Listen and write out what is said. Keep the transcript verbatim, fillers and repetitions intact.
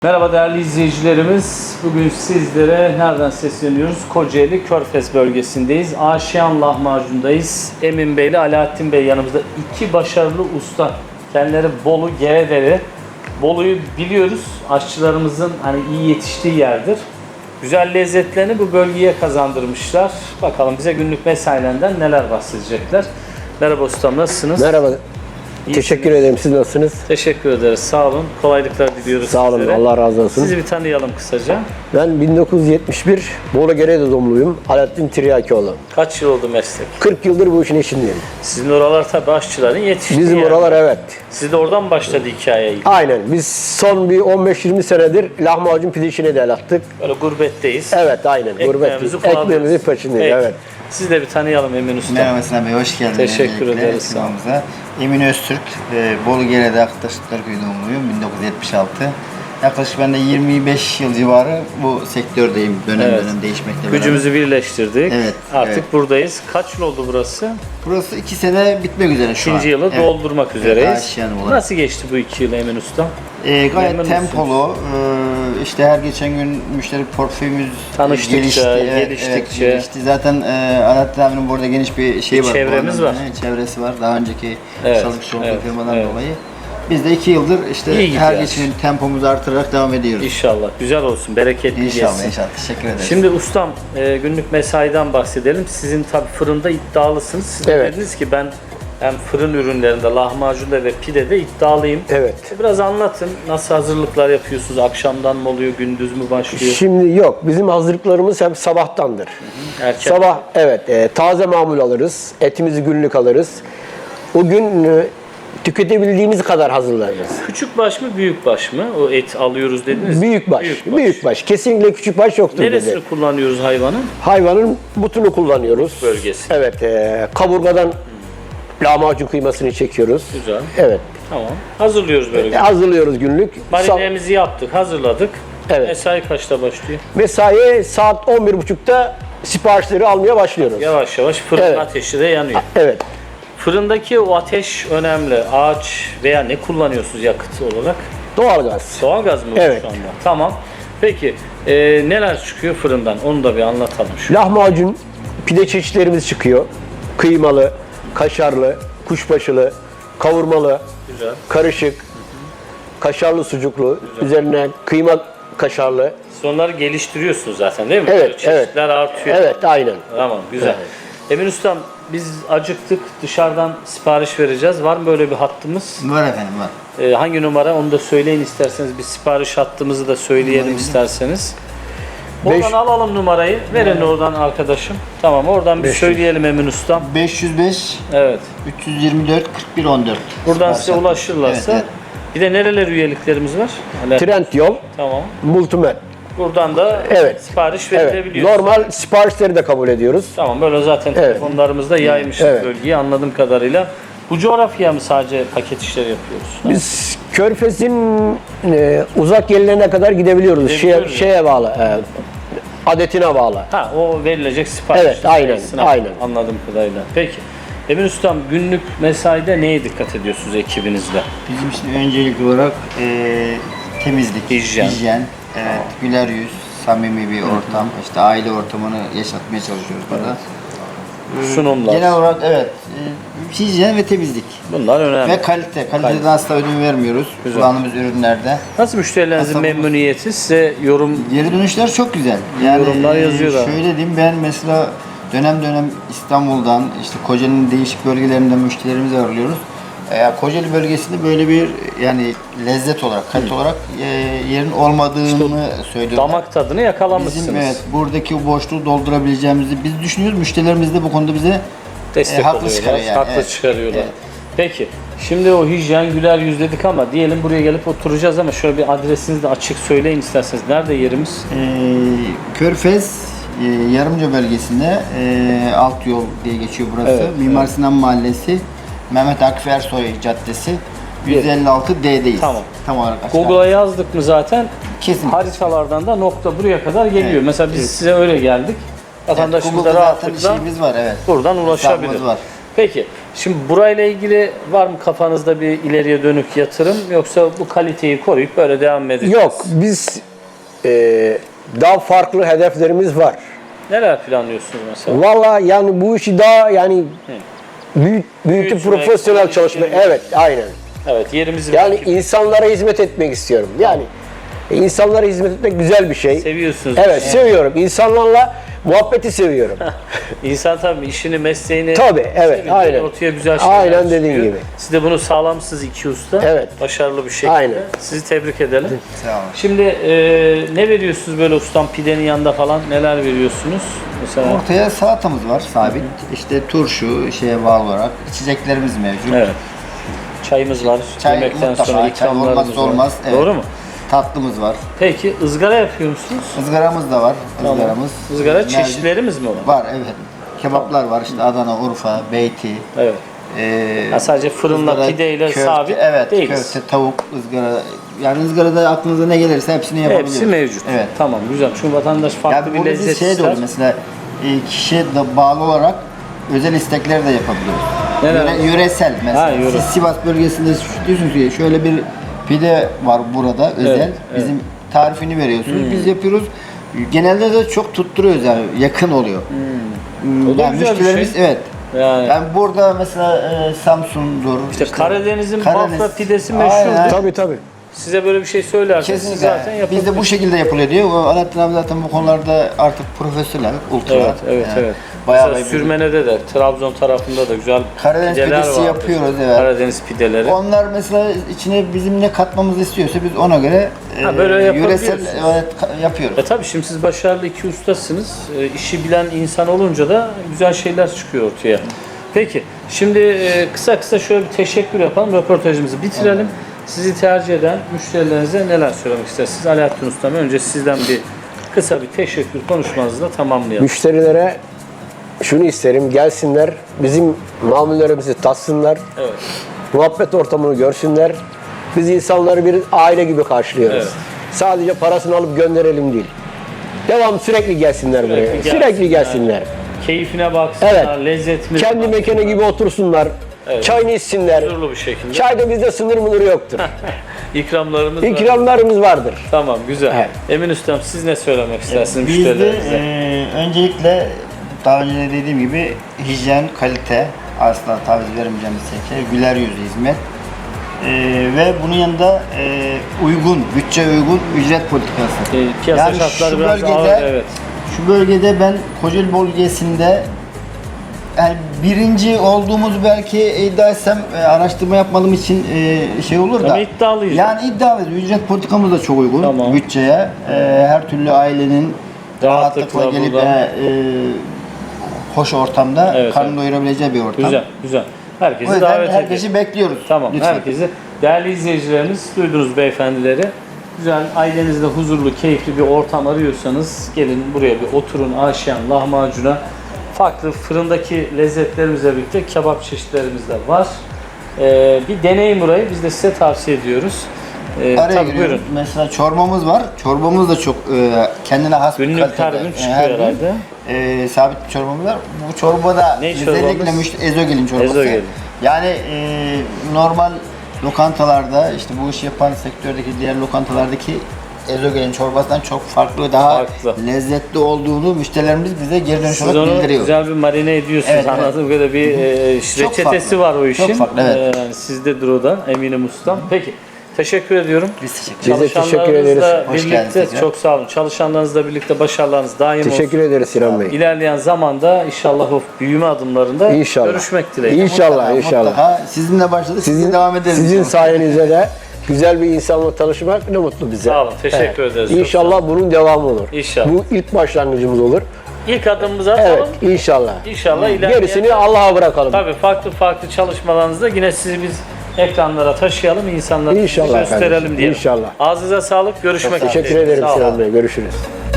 Merhaba değerli izleyicilerimiz. Bugün sizlere nereden sesleniyoruz? Kocaeli Körfez bölgesindeyiz. Aşiyan lahmacundayız. Emin Bey ile Alaaddin Bey yanımızda. İki başarılı usta. Kendileri Bolu, Geredere. Bolu'yu biliyoruz. Aşçılarımızın hani iyi yetiştiği yerdir. Güzel lezzetlerini bu bölgeye kazandırmışlar. Bakalım bize günlük mesailerinden neler bahsedecekler. Merhaba ustam, nasılsınız? Merhaba. İyisiniz. Teşekkür ederim. Siz nasılsınız? Teşekkür ederiz. Sağ olun. Kolaylıklar diliyoruz Sağ olun. sizlere. Allah razı olsun. Sizi bir tanıyalım kısaca. Ben bin dokuz yüz yetmiş bir Bolu Gerede doğumluyum. Alaaddin Tiryakioğlu. Kaç yıl oldu meslek? kırk yıldır bu işin içindeyim. Sizin oralar tabii aşçıların yetiştiği Bizim yer. oralar evet. Siz de oradan başladı hikaye. Aynen. Biz son bir on beş yirmi senedir lahmacun pide işine de el attık. Böyle gurbetteyiz. Evet aynen. Ekmeğimizi Gurbet. Ekmeğimizin kullanıyoruz. peşindeyiz. Peki. Evet. Siz de bir tanıyalım Emin Usta. Merhaba Sinan Bey, hoş geldiniz. Teşekkür öncelikle ederiz, sağ olun. ekranımıza. Emin Öztürk, e, Bolu Gerede Aktaşlıklar Köyü doğumluyum, bin dokuz yüz yetmiş altı. Yaklaşık ben de yirmi beş yıl civarı bu sektördeyim, dönem Evet. dönem değişmekle beraber. Gücümüzü birleştirdik. Evet, Artık evet. buradayız. Kaç yıl oldu burası? Burası iki sene bitmek üzere şu an. İkinci yılı Evet. doldurmak üzereyiz. Aşiyan olarak. Nasıl geçti bu iki yıl Emin Usta? E, gayet Memnun tempolu, e, işte her geçen gün müşteri portföyümüz Tanıştıkça, gelişti. Evet, geliştikçe. evet, gelişti. Zaten e, Alaaddin abinin burada geniş bir şey Bir var. çevremiz Bu var. anlamda, evet, çevresi var. Daha önceki Evet, çalışmış olduğu evet, firmadan evet. dolayı. Biz de iki yıldır işte İyi her gidiyor. geçen gün tempomuzu artırarak devam ediyoruz. İnşallah. Güzel olsun. Bereketli İnşallah, geçsin. inşallah. Teşekkür ederiz. Şimdi ustam e, günlük mesaiden bahsedelim. Sizin tabii fırında iddialısınız. Siz de Evet. dediniz ki ben hem fırın ürünlerinde, lahmacunda ve pidede iddialıyım. Evet. Biraz anlatın. Nasıl hazırlıklar yapıyorsunuz? Akşamdan mı oluyor? Gündüz mü başlıyor? Şimdi yok. Bizim hazırlıklarımız hep sabahtandır. Erken. Sabah evet e, taze mamul alırız. Etimizi günlük alırız. O gün e, tüketebildiğimiz kadar hazırlarız. Küçük baş mı, büyük baş mı? O et alıyoruz dediniz. Büyük baş. Büyük baş. Büyük baş. Kesinlikle küçük baş yoktur Neresini dedi. kullanıyoruz hayvanın? Hayvanın butunu kullanıyoruz. Bölgesi. Evet. E, kaburgadan lahmacun kıymasını çekiyoruz. Güzel. Evet. Tamam. Hazırlıyoruz böyle. E, hazırlıyoruz günlük. Sa- Marinemizi yaptık, hazırladık. Evet. Mesai kaçta başlıyor? Mesai saat on bir buçukta siparişleri almaya başlıyoruz. Yavaş yavaş fırın Evet. ateşi de yanıyor. Evet. Fırındaki o ateş önemli. Ağaç veya ne kullanıyorsunuz yakıt olarak? Doğalgaz. Doğalgaz mı Evet. şu anda? Tamam. Peki e, neler çıkıyor fırından? Onu da bir anlatalım. Şu. Lahmacun, pide çeşitlerimiz çıkıyor. Kıymalı, kaşarlı, kuşbaşılı, kavurmalı, Güzel. karışık, kaşarlı sucuklu, üzerine kıyma kaşarlı. Siz onları geliştiriyorsunuz zaten değil mi? Evet, Böyle çeşitler artıyor. Evet, aynen. Tamam, güzel. Evet. Emin Ustam, biz acıktık. Dışarıdan sipariş vereceğiz. Var mı böyle bir hattımız? Var efendim, var. Ee, hangi numara? Onu da söyleyin isterseniz. Bir sipariş hattımızı da söyleyelim isterseniz. Oradan Beş- alalım numarayı. Verin oradan arkadaşım. Tamam, oradan bir beş yüz. söyleyelim Emin Ustam. beş yüz beş Evet. üç yüz yirmi dört kırk bir on dört. Buradan size ulaşırlarsa. Evet, Bir de nereler üyeliklerimiz var? Hala- Trendyol, Tamam. Multimed. Buradan da Evet. sipariş Evet. verilebiliyor. Normal siparişleri de kabul ediyoruz. Tamam, böyle zaten Evet. telefonlarımızda yaymışız Evet. bölgeyi anladığım kadarıyla. Bu coğrafyaya mı sadece paket işleri yapıyoruz? Biz Körfez'in e, uzak yerlerine kadar gidebiliyoruz. Gidebiliyoruz Şeye, şeye bağlı, e, adetine bağlı. Ha, o verilecek sipariş. Evet, aynen, sayısına aynen. Anladığım kadarıyla. Peki. Emin Ustam, günlük mesaide neye dikkat ediyorsunuz ekibinizle? Bizim için öncelikli olarak e, temizlik, Hijyen. evet, güler yüz, samimi bir ortam, işte aile ortamını yaşatmaya çalışıyoruz burada. Sunumlar. Genel olarak evet, e, hijyen ve temizlik. Bunlar önemli. Ve kalite. Kaliteden asla ödün vermiyoruz kullandığımız ürünlerde. Nasıl müşterilerinizin Aslında bu- memnuniyeti? Size yorum Geri dönüşler çok güzel. Yani Yorumlar e, yazıyorlar. Şöyle diyeyim, ben mesela dönem dönem İstanbul'dan, işte Kocaeli'nin değişik bölgelerinden müşterilerimizi ağırlıyoruz. E, Kocaeli bölgesinde böyle bir yani lezzet olarak, kalite olarak e, yerin olmadığını söylüyorlar. damak tadını yakalamışsınız. Bizim evet buradaki o boşluğu doldurabileceğimizi biz düşünüyoruz. Müşterilerimiz de bu konuda bize Destek E, haklı oluyorlar, çıkarıyor yani, haklı evet. çıkarıyorlar. Evet. Peki, şimdi o hijyen güler yüz dedik ama diyelim buraya gelip oturacağız ama şöyle bir adresinizi de açık söyleyin isterseniz. Nerede yerimiz? e, Körfez e, Yarımca bölgesinde e, Alt Yol diye geçiyor burası. Evet, Mimar Sinan Mahallesi, Mehmet Akif Ersoy Caddesi, yüz elli altı D'deyiz. Tamam. Tam olarak aşağı. Google'a yazdık mı zaten Kesin. haritalardan da nokta buraya kadar geliyor. Evet, Mesela biz evet. size öyle geldik. Evet, Vatandaşımız da Google'da zaten rahatlıkla şeyimiz var, evet. buradan ulaşabilir. Hesabımız var. Peki, şimdi burayla ilgili var mı kafanızda bir ileriye dönük yatırım, yoksa bu kaliteyi koruyup böyle devam mı edeceğiz? Yok, biz e, daha farklı hedeflerimiz var. Neler planlıyorsunuz mesela? Vallahi yani bu işi daha yani büyüt, büyütüp Büyütmek, profesyonel çalışma. geliştirmek. Evet, aynen. Evet, yerimizi Yani belki insanlara hizmet etmek istiyorum. Yani e, insanlara hizmet etmek güzel bir şey. seviyorsunuz. Evet, seviyorum. İnsanlarla muhabbeti seviyorum. İnsan tabii işini, mesleğini Tabii, evet, sevince aynen. ortaya güzel şeyler Aynen dediğin çıkıyor. gibi. Siz de bunu sağlamsınız iki usta. Evet. Başarılı bir şekilde. Aynen. Sizi tebrik edelim. Sağ olun. Şimdi e, ne veriyorsunuz böyle ustam, pidenin yanında falan neler veriyorsunuz? Mesela Ortaya salatamız var sabit. İşte turşu şeye bağlı olarak içeceklerimiz mevcut. evet. Çayımız var. Çay Yemekten mutlaka, sonra çay ikramlarımız olmazsa var. olmaz, evet. Doğru mu? Tatlımız var. Peki ızgara yapıyor musunuz? Izgaramız da var. Izgaramız. Izgara Mevcut. çeşitlerimiz mi var? Var, evet. Kebaplar var işte Adana, Urfa, Beyti. Evet. Ee, Ha, sadece fırınla, ızgara, pideyle köfte, sabit evet, değiliz. köfte, tavuk, ızgara. Yani ızgarada aklınıza ne gelirse hepsini yapabiliyoruz. Hepsi mevcut. Evet. Tamam, güzel. Çünkü vatandaş farklı Yani bir burada lezzet biz şey de ister. oluyor mesela e, kişiye de bağlı olarak özel istekler de yapabiliyoruz. Neler? Yöre- yöresel mesela. Ha, yöre. Siz Sivas bölgesinde şu- diyorsunuz ki şöyle bir pide var burada özel. Evet, Bizim tarifini veriyorsunuz. Biz yapıyoruz. Genelde de çok tutturuyoruz yani yakın oluyor. Hmm. O da Yani güzel bir müşterilerimiz şey. evet. Yani, Yani burada mesela e, Samsun'dur. işte Karadeniz'in Karadeniz- bafra pidesi Aynen, meşhurdur. aynen. Tabii tabii. Size böyle bir şey söylerseniz siz Kesinlikle. zaten yapabilirsiniz. Bizde bu şekilde yapılıyor diyor. O Alaaddin abi zaten bu konularda artık profesyonel, ultra. Evet, evet, Yani evet. Bayağı Mesela bir- Sürmene'de de, Trabzon tarafında da güzel Karadeniz pideler pidesi vardır. yapıyoruz, evet. Karadeniz pideleri. Onlar mesela içine bizim ne katmamızı istiyorsa biz ona göre Ha, e, böyle yöresel yapabiliyorsunuz. evet, ka- yapıyoruz. E tabii şimdi siz başarılı iki ustasınız. E, işi bilen insan olunca da güzel şeyler çıkıyor ortaya. Peki, şimdi e, kısa kısa şöyle bir teşekkür yapalım, röportajımızı bitirelim. Sizi tercih eden müşterilerinize neler söylemek istersiniz? Alaaddin Ustam, önce sizden bir kısa bir teşekkür konuşmanızla tamamlayalım. Müşterilere şunu isterim, gelsinler, bizim mamullerimizi tatsınlar, Evet. muhabbet ortamını görsünler. Biz insanları bir aile gibi karşılıyoruz. Evet. Sadece parasını alıp gönderelim değil. Devam sürekli gelsinler buraya. gelsinler. Sürekli gelsinler. Keyfine baksınlar, Evet. lezzetine Kendi baksınlar. mekanı gibi otursunlar. Evet. Çayını içsinler. Huzurlu bir şekilde. Çayda bizde sınır mınır yoktur. İkramlarımız var. İkramlarımız vardır. Tamam, güzel. Evet. Emin Ustam, siz ne söylemek istersiniz Bizde müşterilerinize? e, öncelikle daha önce de dediğim gibi hijyen, kalite, asla taviz vermeyeceğimiz şekilde güler yüzlü hizmet. E, ve bunun yanında e, uygun, bütçe uygun ücret politikası. E, piyasa Yani şartları şu biraz bölgede, ağır, evet. Şu bölgede ben Kocaeli bölgesinde yani birinci olduğumuzu belki iddia etsem e, araştırma yapmadığım için e, şey olur da. Ama iddialıyız. Yani iddialıyız. Ücret politikamız da çok uygun Tamam. bütçeye. E, her türlü ailenin Rahatlıkla rahatlıkla gelip burada. e, e, hoş ortamda Evet, karnını evet. doyurabileceği bir ortam. Güzel, güzel. O Herkesi yüzden davet herkesi ediyoruz. bekliyoruz. Tamam, Lütfen. herkesi. Değerli izleyicilerimiz, duydunuz beyefendileri. Güzel, ailenizde huzurlu, keyifli bir ortam arıyorsanız gelin buraya bir oturun. Aşiyan lahmacuna. Farklı fırındaki lezzetlerimizle birlikte kebap çeşitlerimiz de var. Ee, bir deneyin burayı. Biz de size tavsiye ediyoruz. Ee, Araya tabii giriyorum. buyurun. Mesela çorbamız var. Çorbamız da çok e, kendine has bir Günlük kalitede. her gün çıkıyor Her gün, herhalde. e, sabit bir çorbamız var. Bu çorbada Ne özellikle çorbamız? müşteri ezogelin çorbası. Ezogelin. Yani e, normal lokantalarda işte bu işi yapan sektördeki diğer lokantalardaki ezogelin çorbasından çok farklı, daha Farklı. lezzetli olduğunu müşterilerimiz bize geri dönüş Siz olarak onu bildiriyor. güzel bir marine ediyorsunuz. Evet, evet. Anladığım kadarıyla bir e, Çok reçetesi farklı. var o işin. Çok farklı, evet. Ee, yani sizdedir o da, eminim ustam. Peki, teşekkür ediyorum. Biz teşekkür Biz de teşekkür ederiz. Çalışanlarınızla Hoş geldiniz birlikte, tekrar. çok sağ olun. Çalışanlarınızla birlikte başarılarınız daim Teşekkür olsun. ederiz Sinan Bey. İlerleyen zamanda inşallah o büyüme adımlarında İnşallah. görüşmek dileğiyle. İnşallah, Mutlaka, inşallah. mutlaka. Sizinle başladık, sizin, Sizin, devam ederiz. sizin inşallah. sayenizde de güzel bir insanla tanışmak ne mutlu bize. Sağ olun, teşekkür ederiz. Çok İnşallah bunun devamı olur. İnşallah. Bu ilk başlangıcımız olur. İlk adımımızı atalım. Evet, inşallah. İnşallah ilerleyen... Gerisini Allah'a bırakalım. Tabii farklı farklı çalışmalarınızda yine sizi biz ekranlara taşıyalım, insanlara İnşallah gösterelim kardeşim, diye. inşallah. Ağzınıza sağlık, görüşmek üzere. Teşekkür ederim Sağ olun. Sinan Bey. Görüşürüz.